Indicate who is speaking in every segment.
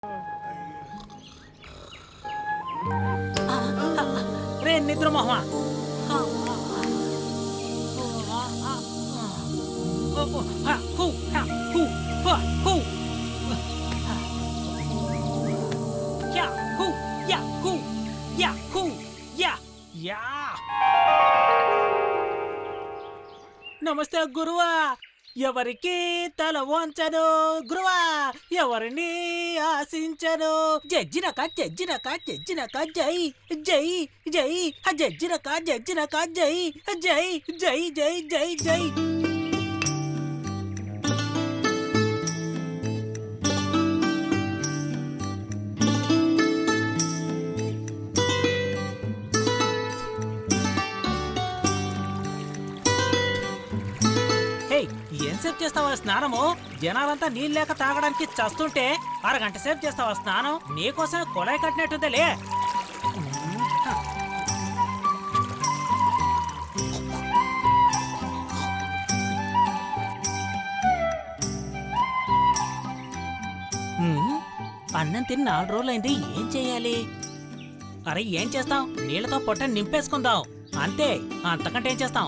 Speaker 1: రే నిద్ర మొహమా, నమస్తే గురువా. ఎవరికి తల వంచను గురువా, ఎవరిని ఆశించను. జడ్జినక జడ్జినక జడ్జినక జై జై జై, జడ్జినక జడ్జినక జై జై జై జై జై జై. ఎంతసేపు చేస్తావా స్నానము? జనాలంతా నీళ్ళు లేక తాగడానికి చస్తుంటే అరగంట సేపు చేస్తావా స్నానం? నీకోసం కొలాయి కట్టినట్టుందిలే. అన్నం తిని 4 రోజులైంది, ఏం చెయ్యాలి? అరే ఏం చేస్తాం, నీళ్లతో పొట్టని నింపేసుకుందాం అంతే, అంతకంటే ఏం చేస్తాం?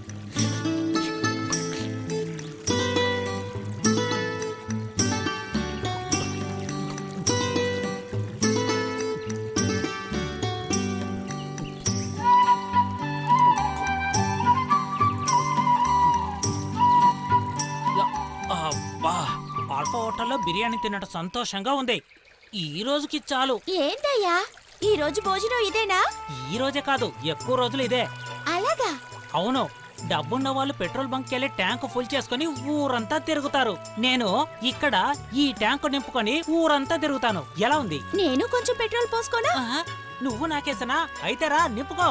Speaker 1: ఆల్ఫా హోటల్లో బిర్యానీ తినడం సంతోషంగా ఉంది. ఈ రోజుకి చాలు.
Speaker 2: ఏంటయ్యా ఈ రోజు భోజనం ఇదేనా?
Speaker 1: ఈ రోజే కాదు, ఎక్కువ రోజులు ఇదే.
Speaker 2: అలాగా?
Speaker 1: అవును, డబ్బున్న వాళ్ళు పెట్రోల్ బంక్ కెళ్ళి ట్యాంకు ఫుల్ చేసుకుని ఊరంతా తిరుగుతారు. నేను ఇక్కడ ఈ ట్యాంకు నింపుకొని ఊరంతా తిరుగుతాను. ఎలా ఉంది?
Speaker 2: నేను కొంచెం పెట్రోల్ పోసుకోనా?
Speaker 1: నువ్వు నాకేసనా? అయితే రా నింపుకో.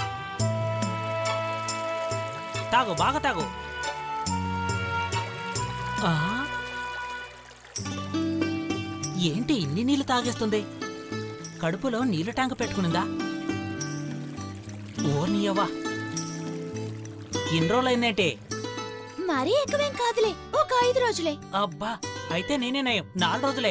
Speaker 1: తాగు, బాగా తాగు. ఏంటి ఇన్ని నీళ్లు తాగేస్తుంది? కడుపులో నీళ్ళ ట్యాంకు పెట్టుకునిందా? ఓ నీయవ్వా, ఇన్ని రోజులైందేంటి?
Speaker 2: మరీ ఎక్కువేం కాదులే, ఒక 5 రోజులే.
Speaker 1: అబ్బా, అయితే నేనే నయం, 4 రోజులే.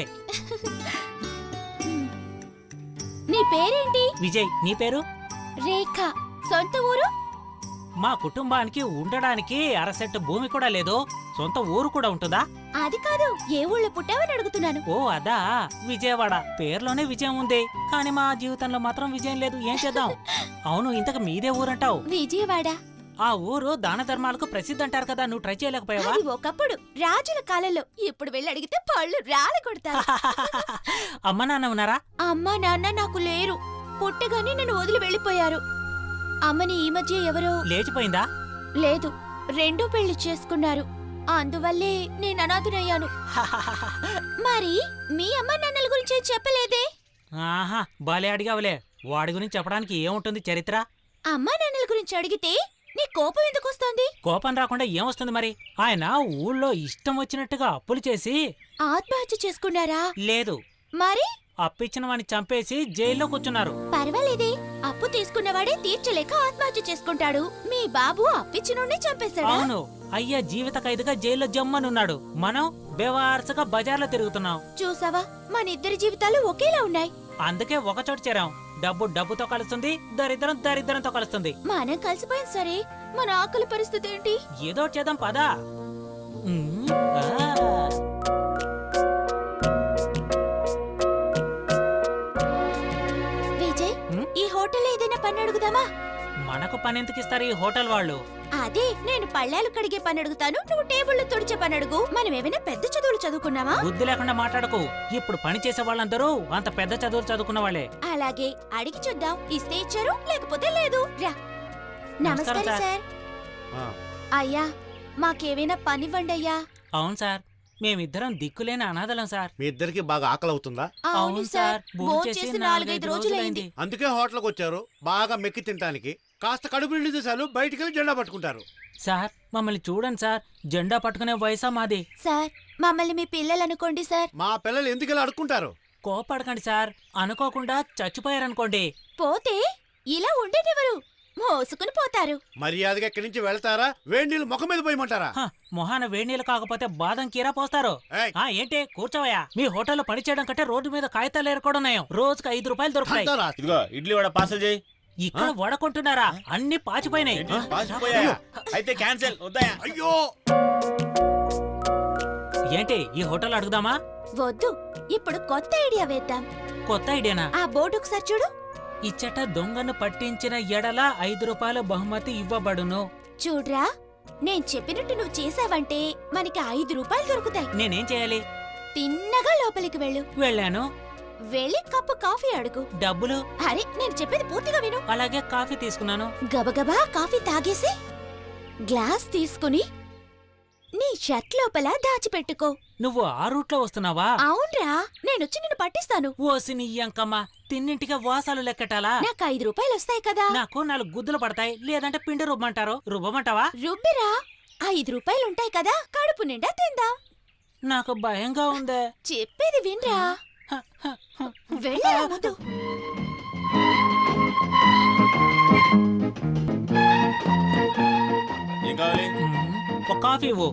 Speaker 2: నీ పేరేంటి?
Speaker 1: విజయ్. నీ పేరు?
Speaker 2: రేఖ. సొంత ఊరు?
Speaker 1: మా కుటుంబానికి ఉండడానికి అరసెట్టు భూమి కూడా లేదు, సొంత ఊరు కూడా ఉంటుందా?
Speaker 2: అది కాదు, ఏ ఊళ్ళో పుట్టావని అడుగుతున్నాను.
Speaker 1: ఓ అదా, విజయవాడ. పేర్లోనే విజయం ఉంది, కానీ మా జీవితంలో మాత్రం విజయం లేదు. ఏం చేద్దాం? అవును, ఇంతకు మీదే ఊరంటావు?
Speaker 2: విజయవాడ.
Speaker 1: ఆ ఊరు దాన ధర్మాలకు ప్రసిద్ధి అంటారు కదా, నువ్వు ట్రై చేయలేకపోయావా?
Speaker 2: అది ఒకప్పుడు రాజుల కాలంలో, ఇప్పుడు వెళ్ళి అడిగితే పళ్ళు రాళ్ళ కొడతారు.
Speaker 1: అమ్మ నాన్న ఉన్నారా?
Speaker 2: అమ్మా నాన్న నాకు లేరు, పుట్టగానే నన్ను వదిలి వెళ్ళిపోయారు. అమ్మని ఈ మధ్య ఎవరో.
Speaker 1: లేచిపోయిందా?
Speaker 2: లేదు, 2 పెళ్లి చేసుకున్నారు, అందువల్లే నేను అనాథునయ్యాను. మరి మీ అమ్మ నాన్నల గురించి చెప్పలేదే?
Speaker 1: ఆహా, బాలే అడిగావులే. వాడి గురించి చెప్పడానికి ఏముంటుంది చరిత్ర?
Speaker 2: అమ్మా నాన్నల గురించి అడిగితే నీ కోపం ఎందుకు వస్తోంది?
Speaker 1: కోపం రాకుండా ఏమొస్తుంది మరి? ఆయన ఊళ్ళో ఇష్టం వచ్చినట్టుగా అప్పులు చేసి
Speaker 2: ఆత్మహత్య చేసుకున్నారా?
Speaker 1: లేదు.
Speaker 2: మరి
Speaker 1: అప్పిచ్చిన వాడిని చంపేసి జైల్లో కూర్చున్నారు.
Speaker 2: పర్వాలేదే, అప్పు తీసుకున్నవాడే తీర్చలేక ఆత్మహత్య చేసుకుంటాడు. మీ బాబు అప్పిచ్చినోడ్ని చంపేశాడు.
Speaker 1: అవును, అయ్యా జీవిత ఖైదుగా జైల్లో జమ్మనున్నాడు. మనం బేవార్సగా బజార్లో తిరుగుతున్నాం.
Speaker 2: చూసావా, మన ఇద్దరి జీవితాలు ఒకేలా ఉన్నాయి.
Speaker 1: అందుకే ఒకచోట చేరాం. డబ్బు డబ్బుతో కలుస్తుంది, దరిద్రం దరిద్రంతో కలుస్తుంది.
Speaker 2: మనం కలిసిపోయింది సరే, మన ఆకలి పరిస్థితి ఏంటి?
Speaker 1: ఏదో చేద్దాం పదా.
Speaker 2: విజయ్, ఈ హోటల్ ఏదైనా పని అడుగుదామా?
Speaker 1: మనకు పని ఎందుకు ఇస్తారు ఈ హోటల్ వాళ్ళు?
Speaker 2: అదే, నేను పళ్ళాలు కడిగే పని అడుగుతాను, నువ్వు టేబుళ్లు తుడిచే పని అడుగు. మనం ఏమైనా పెద్ద చదువులు చదువుకున్నావా?
Speaker 1: బుద్ధి లేకుండా మాట్లాడకు. ఇప్పుడు పని చేసే వాళ్ళందరూ అంత పెద్ద చదువులు చదువుకున్న వాళ్ళే.
Speaker 2: అలాగే, అడిగి చూద్దాం. ఇస్తే ఇచ్చారు, లేకపోతే లేదు. రా. నమస్కారం సార్. అయ్యా, మాకేమైనా పనివ్వండి అయ్యా.
Speaker 1: అవును సార్, మేమిద్దరం దిక్కులేని అనాథలం సార్.
Speaker 3: మీ ఇద్దరికి బాగా ఆకలి అవుతుందా?
Speaker 2: అవును సార్, భోంచేసి 4-5 రోజులైంది.
Speaker 3: అందుకే హోటల్కి వచ్చారు, బాగా మెక్కి తినడానికి. కాస్త కడుపు నిండితే చాలు, బయటికి వెళ్ళి జెండా పట్టుకుంటారు.
Speaker 1: సార్, మమ్మల్ని చూడండి సార్, జెండా పట్టుకునే వయసా మాది.
Speaker 2: సార్, మమ్మల్ని మీ పిల్లలు అనుకోండి సార్.
Speaker 3: మా పిల్లలు ఎందుకు ఇలా అడుక్కుంటారు?
Speaker 1: కోపడకండి సార్, అనుకోకుండా చచ్చిపోయారనుకోండి.
Speaker 2: పోతే ఇలా ఉండేదెవరు? మోసుకుని పోతారు.
Speaker 3: మర్యాదగా ఇక్కడి నుంచి వెళ్తారా వేడి నీళ్ళు ముఖం మీద పోయమంటారా?
Speaker 1: హ, మొహాన వేడినీళ్ళు కాకపోతే బాదం కీరా పోస్తారు.
Speaker 3: ఏయ్.
Speaker 1: ఏంటి కూర్చోవయ్యా? మీ హోటల్లో పనిచేయడం కంటే రోడ్డు మీద కాగితాలు ఏరుకోవడం రోజుకి 5 రూపాయలు దొరుకుతాయి.
Speaker 3: అంటారా?
Speaker 4: ఇదిగో ఇడ్లీ వడ పార్సల్ చేయి.
Speaker 1: ఇక్కడ వడకుంటున్నారా? అన్ని పాచిపోయినాయి.
Speaker 4: ఏంటి, పాసిపోయాయా? అయితే క్యాన్సిల్ వద్దాయా?
Speaker 3: అయ్యో
Speaker 1: ఏంటి ఈ హోటల్ అడుగుదామా?
Speaker 2: వద్దు, ఇప్పుడు కొత్త ఐడియా వేద్దాం.
Speaker 1: కొత్త ఐడియానా?
Speaker 2: ఆ బోర్డు ఒకసారి చూడు.
Speaker 1: ఇచ్చట దొంగను పట్టించిన ఎడల 5 రూపాయల బహుమతి ఇవ్వబడును.
Speaker 2: చూడ్రా, నేను చెప్పినట్టు నువ్వు చేసావంటే మనకి 5 రూపాయలు దొరుకుతాయి.
Speaker 1: నేనేం చేయాలి?
Speaker 2: తిన్నగా లోపలికి వెళ్ళు.
Speaker 1: వెళ్ళాను.
Speaker 2: వెళ్ళి కప్పు కాఫీ అడుగు.
Speaker 1: డబ్బులు?
Speaker 2: అరే, నేను చెప్పేది పూర్తిగా విను.
Speaker 1: అలాగే కాఫీ తీసుకున్నాను.
Speaker 2: గబగబా కాఫీ తాగేసి గ్లాస్ తీసుకుని నీ షర్ట్ లోపల దాచిపెట్టుకో.
Speaker 1: నువ్వు ఆ రూట్లో వస్తున్నావా?
Speaker 2: అవునరా, నేనొచ్చి నిన్ను పట్టిస్తాను.
Speaker 1: ఓసి నీ యంకమ్మ, తిన్నింటిగా వాసాలు లెక్కటాలా?
Speaker 2: నాకు 5 రూపాయలు వస్తాయి కదా.
Speaker 1: నాకు 4 గుద్దులు పడతాయి, లేదంటే పిండి రుబ్బంటారు. రుబ్బమంటావా?
Speaker 2: రుబ్బిరా, 5 రూపాయలు ఉంటాయి కదా, కడుపు నిండా తిందాం.
Speaker 1: నాకు భయంగా ఉందే.
Speaker 2: చెప్పేది వినరా,
Speaker 1: హ, హ, హ.
Speaker 2: వెళ్ళరా ముందు.
Speaker 4: ఏం కావాలి?
Speaker 1: ఒక కాఫీ ఇవ్వు.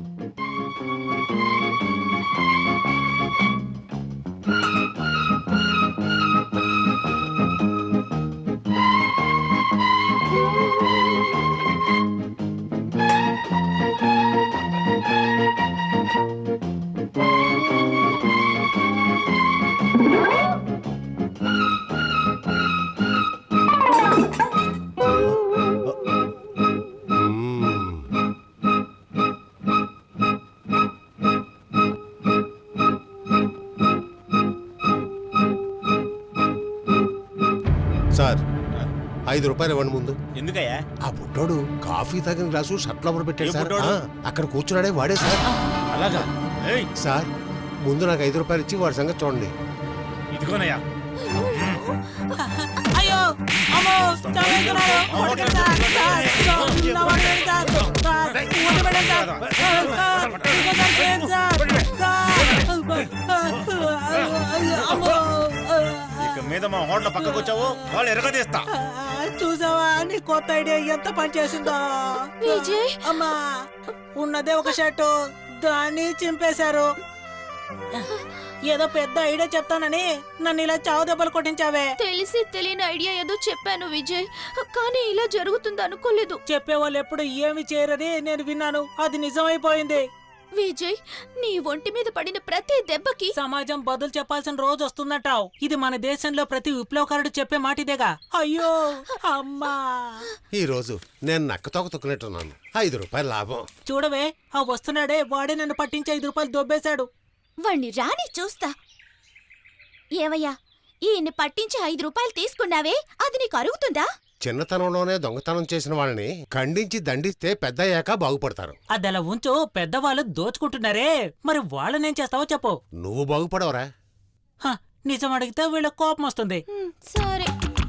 Speaker 5: సార్ 5 రూపాయలు ఇవ్వండి ముందు.
Speaker 4: ఎందుకయ్యా?
Speaker 5: ఆ బుడ్డోడు కాఫీ తాగిన గ్లాసు షర్ట్ లోపల పెట్టాడు
Speaker 4: ఏ
Speaker 5: సార్.
Speaker 4: బుడ్డోడు?
Speaker 5: అక్కడ కూర్చున్నాడే వాడే సార్.
Speaker 4: అలాగా? ఏయ్,
Speaker 5: సార్ ముందు నాకు 5 రూపాయలు ఇచ్చి వాడి సంగతి చూడండి.
Speaker 4: ఇదిగోనయ్యా.
Speaker 1: అయ్యో అమ్మో, చంపేస్తున్నారు. కొట్టండి సార్, సార్, నా వాడిని వేయండి సార్, సార్, కొట్టబెట్టండి సార్, సార్, ఇంకోసారి చేయండి సార్, సార్. అమ్మో.
Speaker 4: ఇక మీద మా హోటల్ పక్కకు వచ్చావు వాళ్ళు ఎరగదీస్తా.
Speaker 1: చూసావా నీ కొత్త ఐడియా ఎంత పని చేసిందో?
Speaker 2: విజయ్.
Speaker 1: అమ్మా, ఉన్నదే ఒక షర్టు, దాన్ని చింపేశారు. ఏదో పెద్ద ఐడియా చెప్తానని నన్ను ఇలా చావు దెబ్బలు కొట్టించావే.
Speaker 2: తెలిసి తెలియని ఐడియా ఏదో చెప్పాను విజయ్, కానీ ఇలా జరుగుతుంది అనుకోలేదు.
Speaker 1: చెప్పేవాళ్ళు ఎప్పుడు ఏమి చేయరని నేను విన్నాను, అది నిజమైపోయింది.
Speaker 2: విజయ్, నీ ఒంటి మీద పడిన ప్రతి దెబ్బకి
Speaker 1: సమాజం బదులు చెప్పాల్సిన రోజు వస్తుందంటావు. ఇది మన దేశంలో ప్రతి విప్లవకారుడు చెప్పే మాటిదేగా. అయ్యో అమ్మా,
Speaker 5: ఈ రోజు నేను నక్కతోక తొక్కినట్టున్నాను. 5 రూపాయలు లాభం.
Speaker 1: చూడవే ఆ వస్తున్నాడే, వాడే నన్ను పట్టించి 5 రూపాయలు దొబ్బేశాడు.
Speaker 2: వాణ్ణి రాని చూస్తా. ఏవయ్యా, ఈయన్ని పట్టించి 5 రూపాయలు తీసుకున్నావే, అది నీకు అరుగుతుందా?
Speaker 5: చిన్నతనంలోనే దొంగతనం చేసిన వాళ్ళని ఖండించి దండిస్తే పెద్దయ్యాక బాగుపడతారు.
Speaker 1: అదలా ఉంచు, పెద్దవాళ్ళు దోచుకుంటున్నారే, మరి వాళ్ళనేం చేస్తావో చెప్పు.
Speaker 5: నువ్వు బాగుపడవరా?
Speaker 1: హ, నిజం అడిగితే వీళ్ళ కోపం వస్తుంది.
Speaker 2: సరే.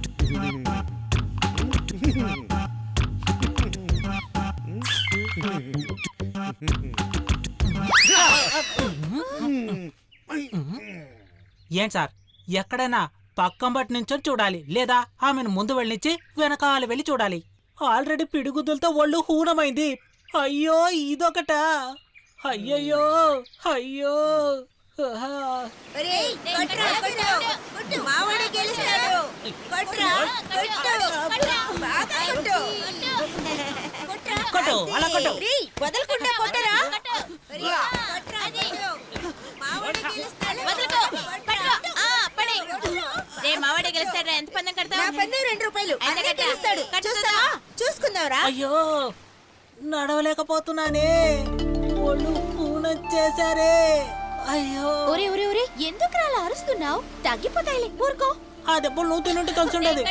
Speaker 1: ఏం సార్, ఎక్కడైనా పక్కం బట్టి నుంచొని చూడాలి, లేదా ఆమెను ముందు వెళ్ళనిచ్చి వెనకాల వెళ్ళి చూడాలి. ఆల్రెడీ పిడిగుద్దులతో ఒళ్ళు హూనమైంది. అయ్యో ఇదొకట. అయ్యయ్యో అయ్యో. ఆహా. కొట్టు, అలా కొట్టు. అయ్యో నడవలేకపోతున్నానే, ఒళ్ళు పూనొచ్చేసారే. అయ్యో.
Speaker 2: ఒరే ఒరే ఒరే, ఎందుకు అలా అరుస్తున్నావు? తగ్గిపోతాయిలే, ఊరుకో.
Speaker 1: ఆ దెబ్బలు నువ్వు తినుంటే తెలుసుండేది.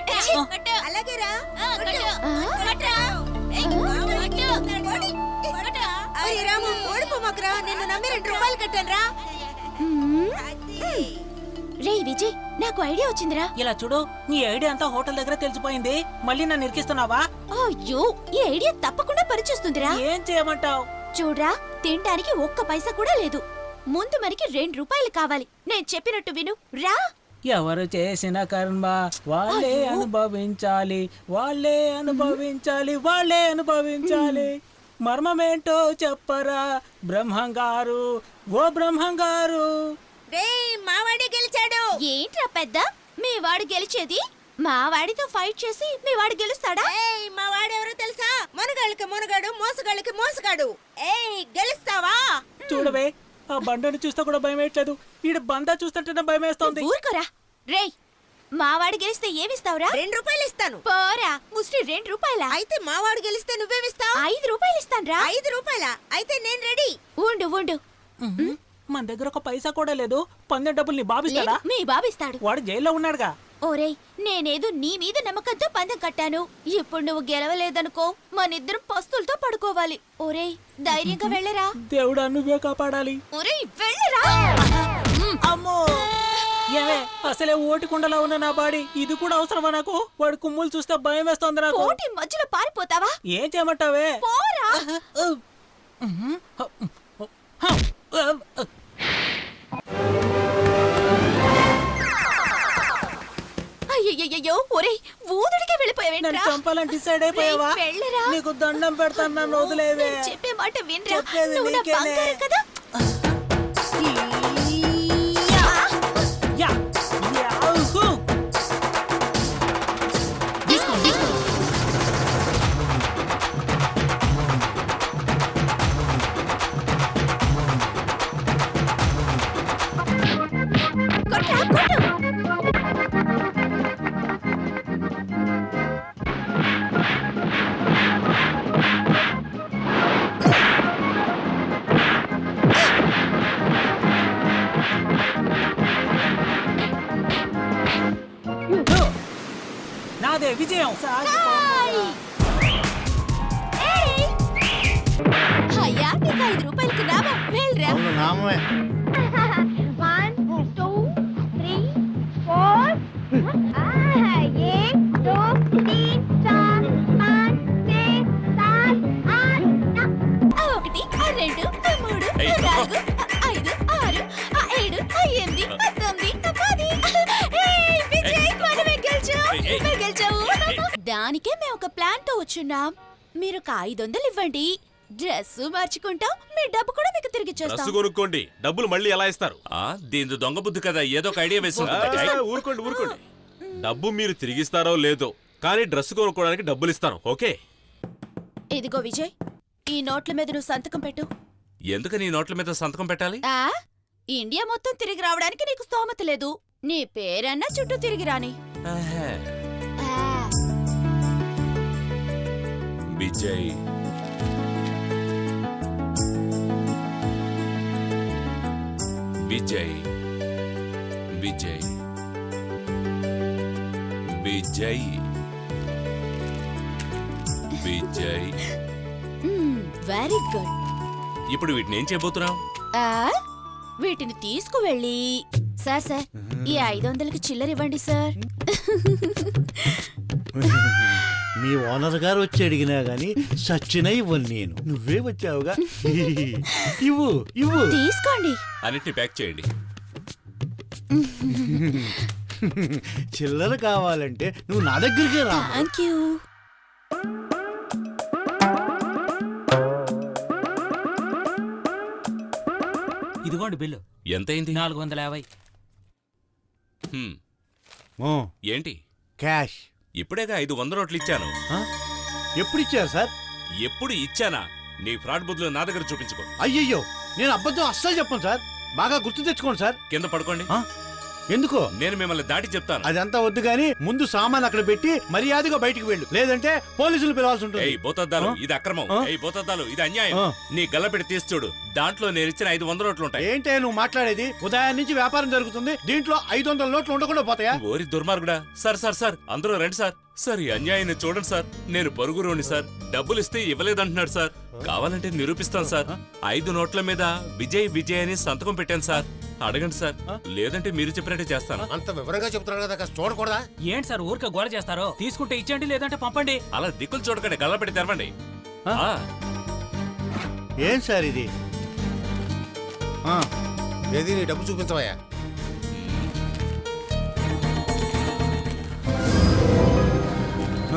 Speaker 2: రే విజయ్, నాకు ఐడియా వచ్చిందిరా.
Speaker 1: ఇలా చూడు, నీ ఐడియా అంతా హోటల్ దగ్గర తెలిసిపోయింది. మళ్ళీ నన్ను ఇరికిస్తున్నావా?
Speaker 2: అయ్యో, ఈ ఐడియా తప్పకుండా పనిచేస్తుందిరా.
Speaker 1: ఏం చేయమంటావు?
Speaker 2: చూడ్రా, తినడానికి ఒక్క పైసా కూడా లేదు. ముందు మనకి 2 రూపాయలు కావాలి. నేను చెప్పినట్టు విను, రా.
Speaker 1: ఎవరు చేసిన కర్మ వాళ్ళే అనుభవించాలి, వాళ్ళే అనుభవించాలి, వాళ్ళే అనుభవించాలి. మర్మమేంటో చెప్పరా బ్రహ్మంగారు, ఓ బ్రహ్మంగారు.
Speaker 2: మావాడి గెలిచాడు. ఏంట్రా పెద్ద, మీ వాడు గెలిచేది? మా వాడితో ఫైట్ చేసి మీ వాడు గెలుస్తాడా?
Speaker 6: మా వాడెవరో తెలుసా? మునగాళ్ళకి మునగాడు, మోసగాళ్ళకి మోసగాడు. గెలుస్తావా?
Speaker 1: చూడవే, ఆ బండను చూస్తే కూడా భయం వేయట్లేదు. ఈడ బందా చూస్తుంటేనే భయం వేస్తోంది.
Speaker 2: ఊరుకోరా. రేయ్, మావాడు గెలిస్తే ఏమిస్తావురా?
Speaker 6: 2 రూపాయలు ఇస్తాను.
Speaker 2: పోరా ముష్టి, 2 రూపాయలా?
Speaker 6: అయితే మా వాడు గెలిస్తే నువ్వేమిస్తావు?
Speaker 2: 5 రూపాయలు ఇస్తాన్రా.
Speaker 6: 5 రూపాయలా? అయితే నేను రెడీ.
Speaker 2: ఉండు ఉండు.
Speaker 1: మన దగ్గర ఒక పైసా కూడా లేదు. పందెం డబ్బులు నీ బాబిస్తాడా?
Speaker 2: లేదు, మీ బాబిస్తాడు.
Speaker 1: వాడు జైల్లో ఉన్నాడుగా.
Speaker 2: ఓరేయ్, నేనేదో నీ మీద నమ్మకంతో పందెం కట్టాను. ఇప్పుడు నువ్వు గెలవలేదనుకో, మనిద్దరం పస్తులతో పడుకోవాలి. ఓరేయ్, ధైర్యంగా వెళ్ళరా.
Speaker 1: దేవుడా, నువ్వే కాపాడాలి.
Speaker 2: ఓరేయ్, వెళ్ళరా.
Speaker 1: అమ్మో, ఏమే అసలే ఓటికుండలా ఉన్న నా బాడీ ఇది కూడా అవసరమా నాకు? వాడి కుమ్ములు చూస్తే భయం వేస్తోంది నాకు.
Speaker 2: కోటి మధ్యలో పారిపోతావా?
Speaker 1: ఏం చేయమంటావే?
Speaker 2: పోరా. అయ్యయ్యో, ఒరేయ్, ఊదుడికే వెళ్ళిపోయావేంట్రా?
Speaker 1: నన్ను చంపాలని డిసైడ్ అయిపోయావా?
Speaker 2: రేయ్, వెళ్ళరా.
Speaker 1: నీకు దండం పెడతాను, నన్ను వదిలేవే.
Speaker 2: నేను చెప్పే మాట వినరా.
Speaker 1: చెప్పేది
Speaker 2: నువ్వు నా
Speaker 1: నీకేనే.
Speaker 2: బంగారం కదా.
Speaker 1: Yeah, yahoo. తీసుకో, తీసుకో.
Speaker 2: కొట్రా, కొట్టు.
Speaker 1: నాదే విజయం.
Speaker 2: హాయ్. ఏయ్. అయ్యా, నీకు 5 రూపాయలకి నామం. వెళ్ళరా.
Speaker 3: అవును, నామమే.
Speaker 2: 1 2 3 4 1 2 3 4 5 6 7 8 1 2 3 4 5 6 7 8 19 10. దానికే మేము ఒక ప్లాన్ తో వచ్చున్నాం. మీరు ఒక 500 ఇవ్వండి, డ్రెస్ మార్చుకుంటాం, మీ డబ్బు కూడా మీకు తిరిగి
Speaker 7: డ్రెస్
Speaker 2: ఇచ్చేస్తాం.
Speaker 7: కొనుక్కోండి, డబ్బులు మళ్ళీ ఎలా ఇస్తారు? దీని దొంగ బుద్ధి కదా, ఏదో ఒక ఐడియా వేస్తుంది. ఊరుకోండి ఊరుకోండి. డబ్బు మీరు తిరిగిస్తారో లేదో, కానీ డ్రెస్ కొనుక్కోవడానికి డబ్బులు ఇస్తాను. ఓకే?
Speaker 2: ఇదిగో విజయ్, ఈ నోట్ల మీద నువ్వు సంతకం పెట్టు.
Speaker 7: ఎందుకు నీ నోట్ల మీద సంతకం పెట్టాలి?
Speaker 2: ఆ ఇండియా మొత్తం తిరిగి రావడానికి నీకు స్తోమత లేదు. నీ పేరన్నా చుట్టూ తిరిగి రాని.
Speaker 7: ఆహా.
Speaker 2: ఆ,
Speaker 7: విజయ్, విజయ్, విజయ్, విజయ్, విజయ్.
Speaker 2: Very good.
Speaker 7: ఇప్పుడు వీటిని ఏం చేయబోతున్నావు?
Speaker 2: ఆ వీటిని తీసుకువెళ్ళి, సార్ సార్, ఈ 500కి చిల్లర ఇవ్వండి సార్.
Speaker 3: మీ ఓనర్ గారు వచ్చి అడిగినా గాని సచ్చిన ఇవ్వను నేను. నువ్వే వచ్చావుగా. ఇవ్వు ఇవ్వు.
Speaker 2: తీసుకోండి.
Speaker 7: అన్నిటిని ప్యాక్ చేయండి.
Speaker 3: చిల్లర కావాలంటే నువ్వు నా దగ్గరికి రా.
Speaker 2: Thank you.
Speaker 1: ఇదిగోండి బిల్లు.
Speaker 7: ఎంతైంది?
Speaker 1: 450.
Speaker 7: హ్మ్.
Speaker 3: ఓ,
Speaker 7: ఏంటి?
Speaker 3: క్యాష్.
Speaker 7: ఇప్పుడేగా 500 నోట్లు ఇచ్చాను.
Speaker 3: ఆ? ఎప్పుడు ఇచ్చారు సార్?
Speaker 7: ఎప్పుడు ఇచ్చానా? నీ ఫ్రాడ్ బుద్ధులు నా దగ్గర చూపించుకో.
Speaker 3: అయ్యయ్యో, నేను అబద్ధం అస్సలు చెప్పను సార్. బాగా గుర్తు తెచ్చుకోండి సార్.
Speaker 7: కింద పడుకోండి.
Speaker 3: ఆ? ఎందుకో?
Speaker 7: నేను మిమ్మల్ని దాటి చెప్తాను.
Speaker 3: అదంతా వద్దు గాని ముందు సామాన్ అక్కడ పెట్టి మర్యాదగా బయటికి వెళ్ళు, లేదంటే పోలీసులు పిలవాల్సి ఉంటుంది.
Speaker 7: ఏయ్ బోతద్దాలు,
Speaker 3: ఆ?
Speaker 7: ఇది అక్రమం.
Speaker 3: ఆ?
Speaker 7: ఏయ్ బోతద్దాలు, ఇది అన్యాయం.
Speaker 3: ఆ.
Speaker 7: నీ గల్లపెట్టి తీసి చూడు, దాంట్లో నేను ఇచ్చిన 500 నోట్లు ఉంటాయి.
Speaker 3: ఏంటే నువ్వు మాట్లాడేది? ఉదయం నుంచి వ్యాపారం జరుగుతుంది, దీంట్లో 500 నోట్లు ఉండకుండా పోతాయా?
Speaker 7: ఓరి దుర్మార్గుడా. సార్ సార్ సార్, అందరూ రండి సార్. సార్, ఈ అన్యాయాన్ని చూడండి సార్. నేను పొరుగురోని సార్, డబ్బులు ఇస్తే ఇవ్వలేదంటున్నాడు సార్. కావాలంటే నిరూపిస్తాను సార్. 5 నోట్ల మీద విజయ్ విజయ్ అని సంతకం పెట్టాను సార్. అడగండి సార్, లేదంటే మీరు చెప్పినట్టే చేస్తాను.
Speaker 5: అంత వివరంగా చెప్తున్నాడు కదా, కాస్త చూడకూడదా?
Speaker 1: ఏంటి సార్ ఊరికే గోల చేస్తారో? తీసుకుంటే ఇచ్చేయండి, లేదంటే పంపండి.
Speaker 7: అలా దిక్కులు చూడకండి, గల్లపెట్టి తెరవండి.
Speaker 3: ఆ?
Speaker 7: ఆ.
Speaker 3: ఏం సార్ ఇది?
Speaker 5: ఏది నీ డబ్బు చూపించవయ్యా.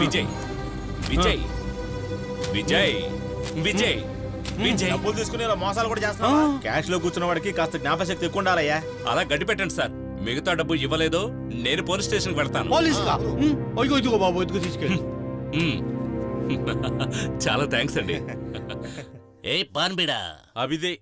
Speaker 7: విజయ్ విజయ్ విజయ్ విజయ్ విజయ్
Speaker 4: డబ్బులు తీసుకుని ఇలా మోసాలు కూడా చేస్తున్నావా? క్యాష్ లో కూర్చున్న వాడికి కాస్త జ్ఞాపశక్తి ఎక్కువ ఉండాలయ్యా.
Speaker 7: అలా గడ్డి పెట్టండి సార్. మిగతా డబ్బు ఇవ్వలేదో నేను పోలీస్ స్టేషన్కి వెళ్తాను.
Speaker 3: పోలీస్ కా అయ్యో ఇదిగో బాబు ఇదిగో తీసుకెళ్ళి.
Speaker 7: మ్మ్. చాలా థ్యాంక్స్ అండి.
Speaker 8: ఏ పాన్బిడా
Speaker 7: అభిదే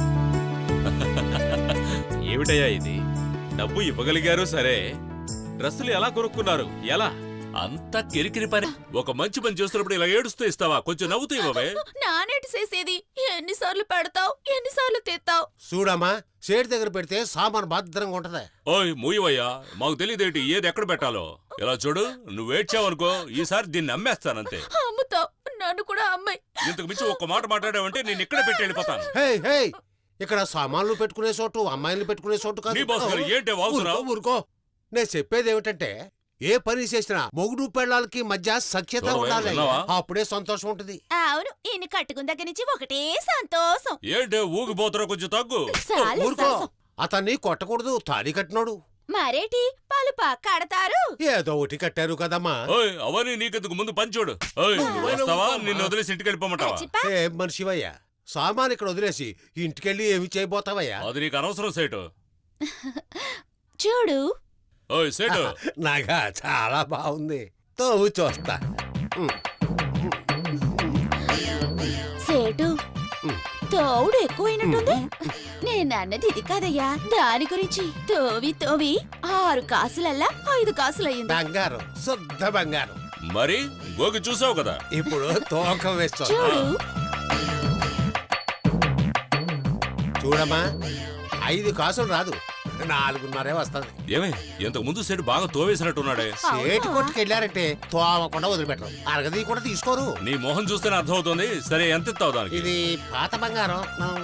Speaker 7: ఏమిటయ్యా ఇది? డబ్బు ఇవ్వగలిగారు సరే, డ్రెస్సులు ఎలా కొనుక్కున్నారు? ఎలా? అంతా కిరికిరి పని. ఒక మంచి పని చేస్తున్నప్పుడు ఇలా ఏడుస్తూ ఇస్తావా? కొంచెం నవ్వుతూ ఇవ్వవే.
Speaker 2: నానేటి చేసేది ఎన్నిసార్లు పెడతావు, ఎన్నిసార్లు తెస్తావు?
Speaker 5: చూడమ్మా, సేటు దగ్గర పెడితే సామాన్ భద్రంగా ఉంటది.
Speaker 7: ఓయ్ మూయవయ్యా, మాకు తెలియదేంటి ఏది ఎక్కడ పెట్టాలో. ఇలా చూడు, నువ్వేడ్చావనుకో ఈసారి దీన్ని అమ్మేస్తానంతే.
Speaker 2: అమ్ముతావు, నన్ను కూడా అమ్మాయి.
Speaker 7: ఇంతకు మించి ఒక్క మాట మాట్లాడావంటే నేను ఇక్కడ పెట్టి వెళ్ళిపోతాను.
Speaker 5: హే హే, ఇక్కడ సామాన్లు పెట్టుకునే చోటు అమ్మాయిలు పెట్టుకునే చోటు కాదు.
Speaker 7: నీ బాస్ గారు ఏంటి వాగుతున్నావు?
Speaker 5: ఊరుకో, ఊరుకో. నేను చెప్పేది ఏమిటంటే ఏ పని చేసినా మొగుడు పెళ్ళాలకి మధ్య సఖ్యత
Speaker 7: చూడవే,
Speaker 5: ఉండాలి.
Speaker 7: విన్నావా?
Speaker 5: అప్పుడే సంతోషం ఉంటది.
Speaker 2: అవును, ఈయన కట్టుకున్న దగ్గర నుంచి ఒకటే సంతోషం.
Speaker 7: ఏంటే ఊగిపోతారో కొంచెం తగ్గు.
Speaker 2: చాలు
Speaker 5: ఊరుకో,
Speaker 2: సంతోషం.
Speaker 5: అతన్ని కొట్టకూడదు, తాళి కట్టినోడు.
Speaker 2: మరేటి పాలు కడతారు?
Speaker 5: ఏదో ఒకటి కట్టారు కదమ్మా.
Speaker 7: ఓయ్ అవన్నీ నీకెందుకు, ముందు పని చూడు. ఓయ్ వస్తావా? నిన్ను వదిలేసి ఇంటికి వెళ్ళిపోమంటావా?
Speaker 2: చిప్పా,
Speaker 5: ఏ మనిషివయ్యా, సామాన్ ఇక్కడ వదిలేసి ఇంటికెళ్ళి ఏమి చేయబోతావయ్యా?
Speaker 7: అది నీకు అనవసరం సేటు.
Speaker 2: చూడు.
Speaker 7: ఓయ్ సేటు,
Speaker 5: నాగా చాలా బాగుంది. తోవు చూస్తా.
Speaker 2: సేటు, తోవుడు ఎక్కువైనట్టుంది. నేను అన్నది ఇది కాదయ్యా, దాని గురించి. తోవి తోవి 6 కాసులల్లా 5 కాసులయ్యింది.
Speaker 5: బంగారం, శుద్ధ బంగారం.
Speaker 7: మరి గోగి చూసావు కదా.
Speaker 5: ఇప్పుడు తూకం వేస్తా.
Speaker 2: చూడు.
Speaker 5: చూడమ్మా, 5 కాసులు రాదు, 4.5 వస్తుంది.
Speaker 7: ఏమే ఇంతకు ముందు సేటు బాగా తోవేసినట్టున్నాడే.
Speaker 5: సేటు కొట్టుకెళ్ళారంటే తోమకుండా వదిలిపెట్టరు, అరగది కూడా తీసుకోరు.
Speaker 7: నీ మొహం చూస్తేనే అర్థమవుతుంది. సరే ఎంత ఇస్తావు దానికి?
Speaker 5: ఇది పాత బంగారం.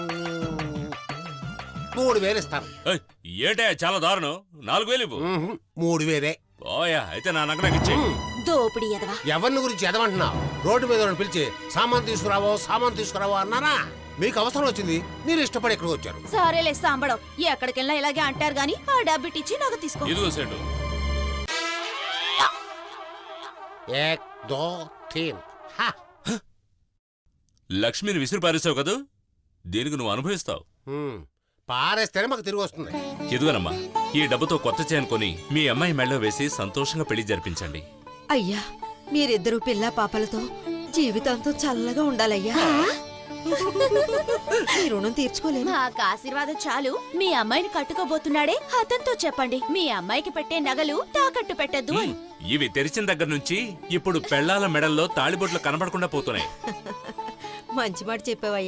Speaker 5: 3,000 ఇస్తాను.
Speaker 7: ఏయ్, ఏటే చాలా దారుణం. 4,000 ఇవ్వు.
Speaker 5: 3,000.
Speaker 7: ఓయా, అయితే నా నగనకి ఇచ్చే.
Speaker 2: దోపిడి ఎదవా.
Speaker 5: ఎవరిని గురించి ఎదవంటున్నావు? రోడ్డు మీద వాళ్ళని పిలిచి సామాన్ తీసుకురావో అన్నారా? మీకు అవసరం వచ్చింది, మీరు ఇష్టపడి ఎక్కడికి వచ్చారు.
Speaker 2: సరేలే సాంబడం, ఎక్కడికెళ్ళినా ఇలాగే అంటారు గాని ఆ డబ్బిటిచ్చి నాకు తీసుకో.
Speaker 7: ఇదిగో సేటు.
Speaker 5: 1, 2, 3. హా.
Speaker 7: లక్ష్మిని విసిరి పారేసావు కదా, దీనికి నువ్వు అనుభవిస్తావు.
Speaker 5: పారేస్తేనే మాకు తిరిగి వస్తుంది.
Speaker 7: ఎదుగనమ్మా, ఈ డబ్బుతో కొత్త చైన్ కొని మీ అమ్మాయి మెళ్ళో వేసి సంతోషంగా పెళ్లి జరిపించండి.
Speaker 9: అయ్యా, మీరిద్దరూ పిల్ల పాపలతో జీవితాంతం చల్లగా ఉండాలయ్యా. మీ రుణం తీర్చుకోలేము.
Speaker 2: మాకు ఆశీర్వాదం చాలు. మీ అమ్మాయిని కట్టుకోబోతున్నాడే అతనితో చెప్పండి, మీ అమ్మాయికి పెట్టే నగలు తాకట్టు పెట్టద్దు అని.
Speaker 7: ఇవి తెరిచిన దగ్గర నుంచి ఇప్పుడు పెళ్లాల మెడల్లో తాళిబొట్లు కనబడకుండా పోతున్నాయి.
Speaker 9: మంచి మాట చెప్పావయ్యా.